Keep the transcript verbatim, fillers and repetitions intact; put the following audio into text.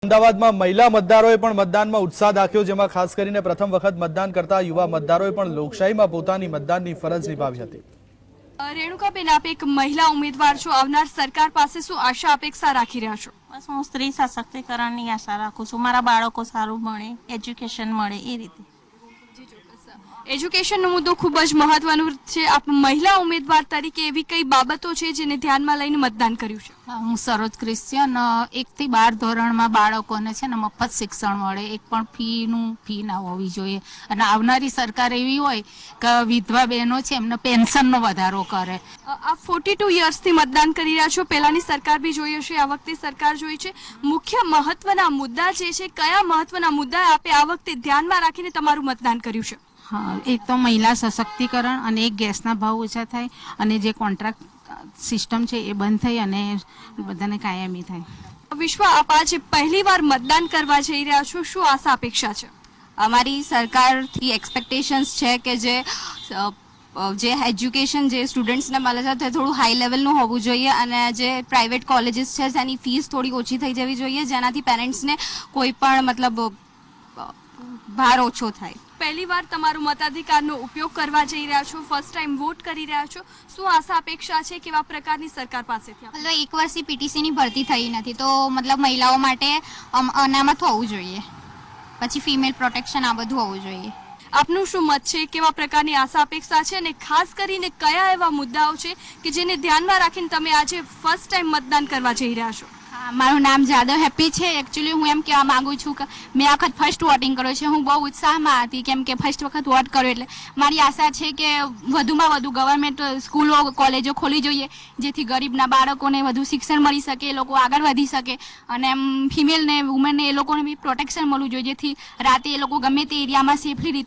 અમદાવાદમાં મહિલા મતદારોએ પણ મતદાનમાં ઉત્સાહ દાખ્યો, જેમાં ખાસ કરીને પ્રથમ વખત મતદાન કરતા યુવા મતદારોએ પણ લોકશાહીમાં પોતાની મતદાનની ફરજ નિભાવી હતી। રેણુકાબેન, આપ એક મહિલા ઉમેદવાર છો, આવનાર સરકાર પાસે શું આશા અપેક્ષા રાખી રહ્યા છો? બસ હું સ્ત્રી સશક્તિકરણની આશા રાખું છું, મારા બાળકો સારું ભણે, એજ્યુકેશન મળે એ રીતે। એજ્યુકેશનનો મુદ્દો ખૂબ જ મહત્વનો છે। આપ મહિલા ઉમેદવાર તરીકે એવી કઈ બાબતો છે જેને ધ્યાનમાં લઈને મતદાન કર્યું છે? હું સરોજ ક્રિશ્ચિયન એકથી બાર ધોરણમાં બાળકોને છે ને મફત શિક્ષણ મળે, એક પણ ફીનું ફી ના હોવી જોઈએ, અને આવનારી સરકાર એવી હોય કે વિધવા બહેનો છે એમને પેન્શનનો વધારો કરે। આપ ફોર્ટી ટુ યર્સથી મતદાન કરી રહ્યા છો, પહેલાની સરકાર બી જોઈ હશે, આ વખતે સરકાર જોઈ છે। મુખ્ય મહત્વના મુદ્દા જે છે, કયા મહત્વના મુદ્દા આપે આ વખતે ધ્યાનમાં રાખીને તમારું મતદાન કર્યું છે? હા, એક તો મહિલા સશક્તિકરણ, અને એક ગેસના ભાવ ઓછા થાય, અને જે કોન્ટ્રાક્ટ સિસ્ટમ છે એ બંધ થઈ અને બધાને કાયમી થાય। વિશ્વ, આપ આજે પહેલી વાર મતદાન કરવા જઈ રહ્યા છો, શું આશા અપેક્ષા છે? અમારી સરકારથી એક્સપેક્ટેશન્સ છે કે જે જે એજ્યુકેશન જે સ્ટુડન્ટ્સને મળે છે તે થોડું હાઈ લેવલનું હોવું જોઈએ, અને જે પ્રાઇવેટ કોલેજીસ છે તેની ફીસ થોડી ઓછી થઈ જવી જોઈએ, જેનાથી પેરેન્ટ્સને કોઈ પણ મતલબ ભાર ઓછો થાય। પહેલી વાર તમારો મતાધિકારનો ઉપયોગ કરવા જઈ રહ્યા છો, ફર્સ્ટ ટાઈમ વોટ કરી રહ્યા છો, શું આશા અપેક્ષા છે, કેવા પ્રકારની સરકાર પાસેથી? મતલબ એક વર્ષથી પીટીસીની ભરતી થઈ નથી, તો મતલબ મહિલાઓ માટે અનામત હોવું જોઈએ, પછી ફિમેલ પ્રોટેક્શન આ બધું હોવું જોઈએ। આપનું શું મત છે, કેવા પ્રકારની આશા અપેક્ષા છે, અને ખાસ કરીને કયા એવા મુદ્દાઓ છે કે જેને ધ્યાનમાં રાખીને તમે આજે ફર્સ્ટ ટાઈમ મતદાન કરવા જઈ રહ્યા છો? મારું નામ જાદવ હેપી છે। એકચ્યુઅલી હું એમ કહેવા માંગુ છું કે મેં આ વખત ફર્સ્ટ વોટિંગ કર્યો છે, હું બહુ ઉત્સાહમાં હતી, કેમ કે ફર્સ્ટ વખત વોટ કર્યો, એટલે મારી આશા છે કે વધુમાં વધુ ગવર્મેન્ટ સ્કૂલો કોલેજો ખોલવી જોઈએ, જેથી ગરીબના બાળકોને વધુ શિક્ષણ મળી શકે, એ લોકો આગળ વધી શકે, અને એમ ફિમેલને વુમેનને એ લોકોને બી પ્રોટેક્શન મળવું જોઈએ, જેથી રાતે એ લોકો ગમે તે એરિયામાં સેફલી